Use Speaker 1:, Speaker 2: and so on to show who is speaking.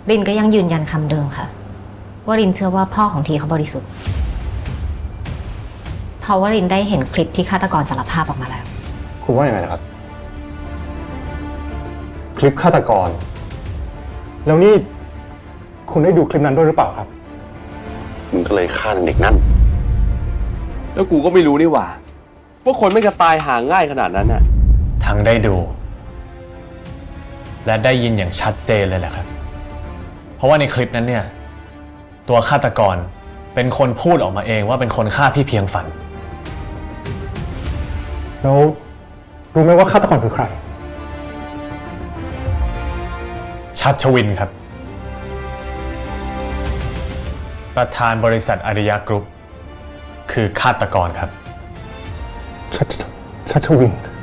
Speaker 1: รินก็ยังยืนยันคำเดิมค่ะว่ารินเชื่อว่าพ่อของทีเขาบริสุทธิ์เพราะว่ารินได้เห็นคลิปที่ฆาตกรสารภาพออกมาแล้ว
Speaker 2: คุณว่าอย่างไรนะครับคลิปฆาตกรแล้วนี่คุณได้ดูคลิปนั้นด้วยหรือเปล่าครับ
Speaker 3: มึงก็เลยฆ่าเด็กนั่น
Speaker 4: แล้วกูก็ไม่รู้นี่หว่าคนไม่กระตายหาง่ายขนาดนั้นน่ะ
Speaker 5: ทั้งได้ดูและได้ยินอย่างชัดเจนเลยแหละครับเพราะว่าในคลิปนั้นเนี่ยตัวฆาตกรเป็นคนพูดออกมาเองว่าเป็นคนฆ่าพี่เพียงฝัน
Speaker 2: แล้วรู้ไหมว่าฆาตกรคือใคร
Speaker 5: ชัชวินครับประธานบริษัทอาริยะกรุ๊ปคือฆาตกรครับ
Speaker 2: ชัชวิน